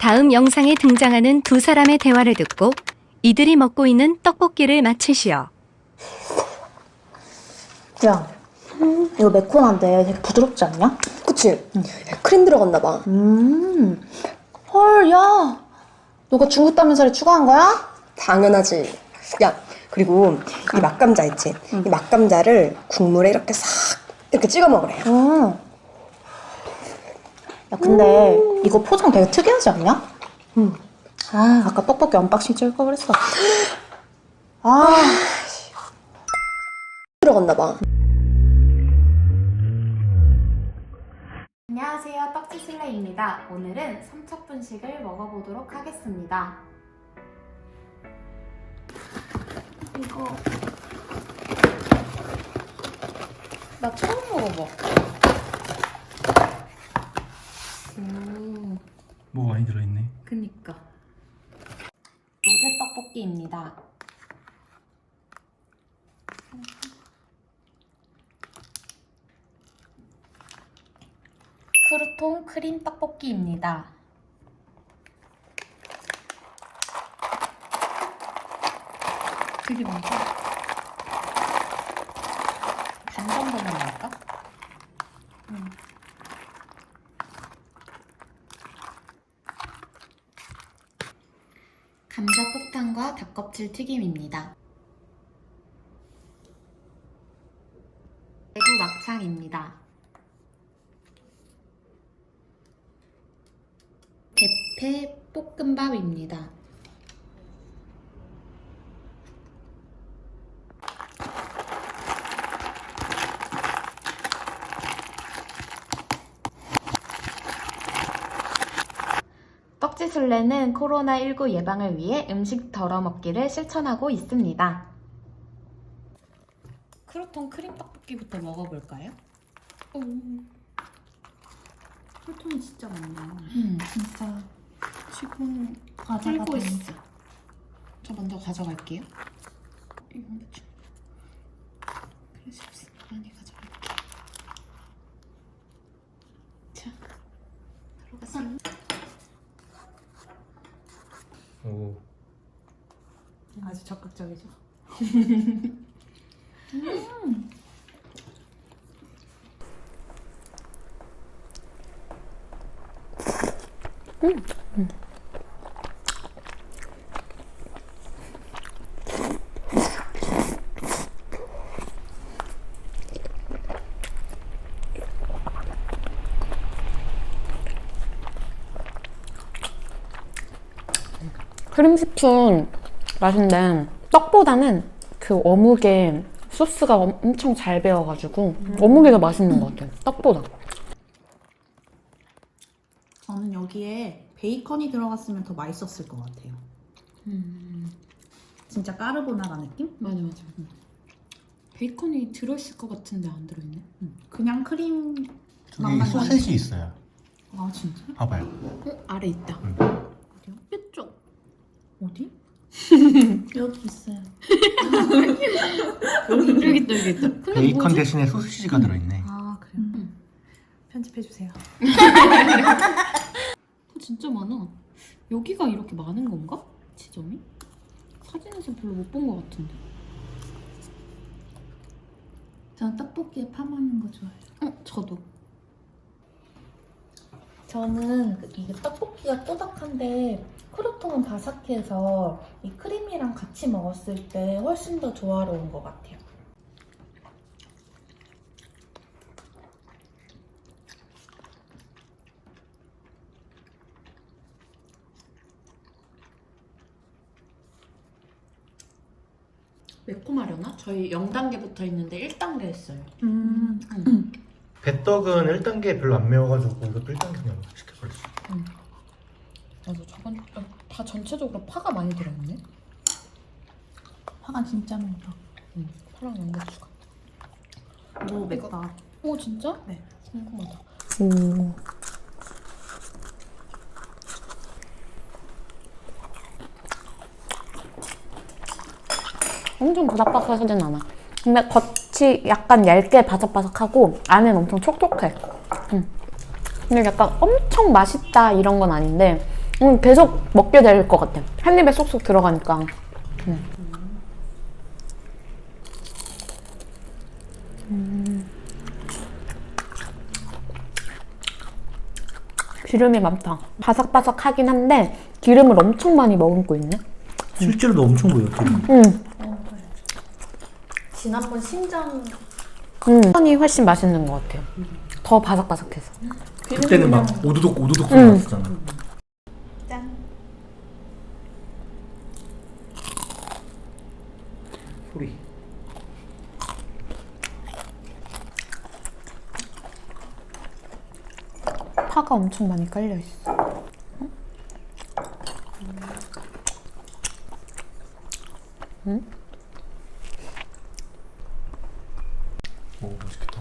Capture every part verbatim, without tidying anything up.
다음 영상에 등장하는 두 사람의 대화를 듣고 이들이 먹고 있는 떡볶이를 맞히시오. 야, 이거 매콤한데 되게 부드럽지 않냐? 그치? 응. 크림 들어갔나 봐. 음, 헐, 야, 너가 중국 따면살에 추가한 거야? 당연하지. 야, 그리고 이 맛감자 있지? 이 맛감자를 국물에 이렇게 싹 이렇게 찍어 먹으래. 음. 야, 근데 이거 포장 되게 특이하지 않냐? 응. 아, 아까 떡볶이 언박싱 찍을 걸 그랬어. 아, 들어갔나 봐. 안녕하세요, 떡지슬레입니다. 오늘은 삼척분식을 먹어보도록 하겠습니다. 이거 나 처음 먹어봐. 오, 뭐 많이 들어있네. 그니까. 로제 떡볶이입니다. 크루통 크림 떡볶이입니다. 되게 많다. 반 정도만 넣을까? 응. 감자 폭탄과 닭껍질 튀김입니다. 대구 막창입니다. 대패 볶음밥입니다. 떡지술래는 코로나십구 예방을 위해 음식 덜어먹기를 실천하고 있습니다. 크루통 크림 떡볶이부터 먹어볼까요? 오. 혈통이 진짜 많네요. 음, 진짜 지금 과자가 풀고 된- 있어. 저 먼저 가져갈게요. 이거 먼저 좀. 그래서 많이 가져갈게요. 자, 들어가세요. 오. 아주 적극적이죠. 크림 스프 맛인데 떡보다는 그 어묵에 소스가 엄- 엄청 잘 배어가지고 어묵이 더 맛있는 것 같아요. 떡보다. 저는 여기에 베이컨이 들어갔으면 더 맛있었을 것 같아요. 음, 진짜 까르보나라 느낌? 맞아 맞아. 베이컨이 들어있을 것 같은데 안 들어있네. 음. 그냥 크림 저기 맛만 소세지 있어요. 아 진짜? 봐봐요. 어? 아래 있다. 어디요? 이쪽. 어디? 여기 있어요. 여기 있다 여기 있다. 근데 베이컨 뭐지? 대신에 소시지가 들어있네. 아 그래요? 음. 편집해 주세요. 어, 진짜 많아. 여기가 이렇게 많은 건가? 지점이? 사진에서 별로 못 본 것 같은데. 저는 떡볶이에 파 먹는 거 좋아해요. 어? 저도. 저는 그 이게 떡볶이가 꼬박한데 크루통은 바삭해서 이 크림이랑 같이 먹었을 때 훨씬 더 조화로운 것 같아요. 매콤하려나? 저희 영 단계 붙어 있는데 일 단계 했어요. 음. 배떡은 일 단계 별로 안 매워가지고 이것도 일 단계 그냥 시켜버렸어. 맞아. 저건 어, 다 전체적으로 파가 많이 들어있네. 파가 진짜 맵다. 응. 파랑 양배추가. 오 맵다. 오 진짜? 네. 궁금하다. 오. 엄청 바삭바삭하진 않아. 근데 겉이 약간 얇게 바삭바삭하고 안에는 엄청 촉촉해. 음. 근데 약간 엄청 맛있다 이런 건 아닌데 음, 계속 먹게 될 것 같아. 한 입에 쏙쏙 들어가니까. 음. 음. 기름이 많다. 바삭바삭하긴 한데 기름을 엄청 많이 머금고 있네. 실제로도 엄청 보여. 음. 지난번 신장 음. 이 훨씬 맛있는 것 같아요. 더 바삭바삭해서. 그때는 막 오도독 오도독 소리 음. 났었잖아. 짠. 소리. 파가 엄청 많이 깔려 있어. 음? 오 맛있겠다.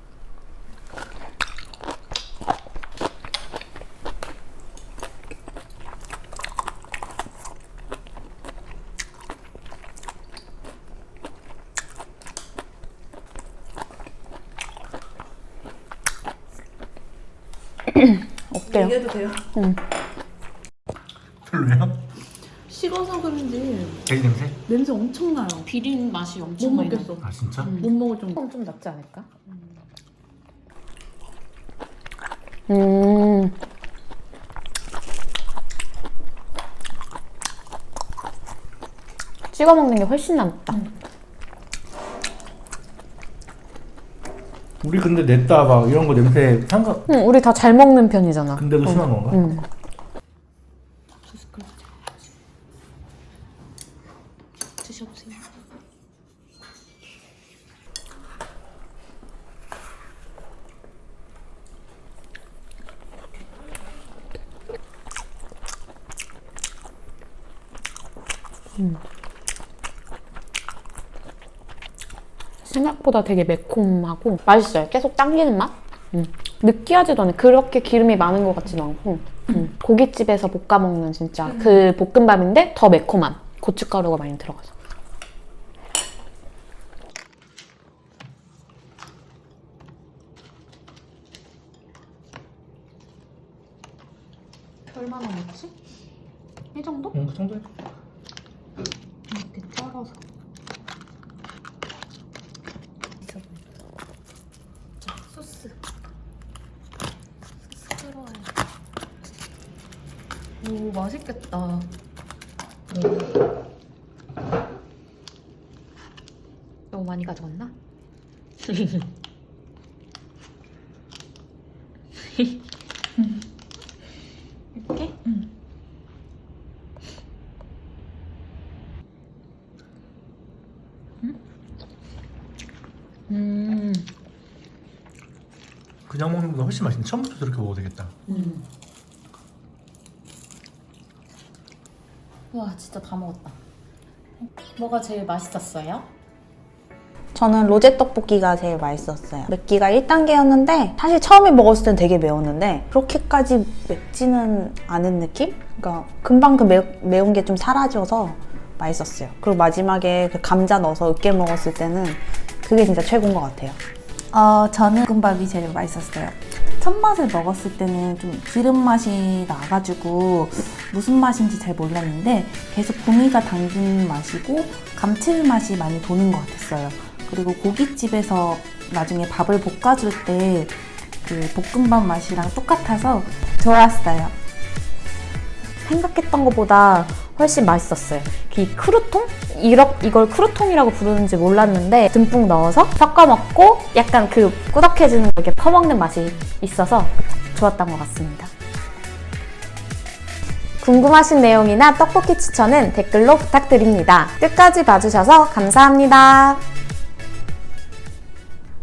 어때요? 얘기해도 돼요? 응. 별로야? 식어서 그런지 돼지 냄새? 냄새 엄청 나요. 비린 맛이 못 엄청 많이 나. 먹겠어. 아 진짜? 못 먹을 정도. 좀 낫지 않을까? 음. 찍어 먹는 게 훨씬 낫다. 우리 근데 냈다 막 이런 거 냄새 상관. 응, 우리 다 잘 먹는 편이잖아. 근데도 심한 건가? 응. 드셔보세요. 생각보다 되게 매콤하고 맛있어요. 계속 당기는 맛? 음. 느끼하지도 않아요. 그렇게 기름이 많은 것 같지도 않고 음. 고깃집에서 볶아 먹는 진짜 그 볶음밥인데 더 매콤한 고춧가루가 많이 들어가서. 얼마나 먹지? 이 정도? 응, 그 정도야. 이렇게 썰어서. 자, 소스. 소스 들어와요. 오, 맛있겠다. 너무 많이 가져갔나? 이렇게? 음. 그냥 먹는 것보다 훨씬 맛있네. 처음부터 저렇게 먹어도 되겠다. 음. 와, 진짜 다 먹었다. 뭐가 제일 맛있었어요? 저는 로제 떡볶이가 제일 맛있었어요. 맵기가 일 단계였는데 사실 처음에 먹었을 땐 되게 매웠는데 그렇게까지 맵지는 않은 느낌? 그러니까 금방 그 매, 매운 게 좀 사라져서 맛있었어요. 그리고 마지막에 그 감자 넣어서 으깨 먹었을 때는 그게 진짜 최고인 것 같아요. 어, 저는 볶음밥이 제일 맛있었어요. 첫 맛을 먹었을 때는 좀 기름 맛이 나가지고 무슨 맛인지 잘 몰랐는데 계속 구미가 당긴 맛이고 감칠맛이 많이 도는 것 같았어요. 그리고 고깃집에서 나중에 밥을 볶아줄 때 그 볶음밥 맛이랑 똑같아서 좋았어요. 생각했던 것보다 훨씬 맛있었어요. 이 크루통? 이러, 이걸 크루통이라고 부르는지 몰랐는데 듬뿍 넣어서 섞어 먹고 약간 그 꾸덕해지는 거 이렇게 퍼먹는 맛이 있어서 좋았던 것 같습니다. 궁금하신 내용이나 떡볶이 추천은 댓글로 부탁드립니다. 끝까지 봐주셔서 감사합니다.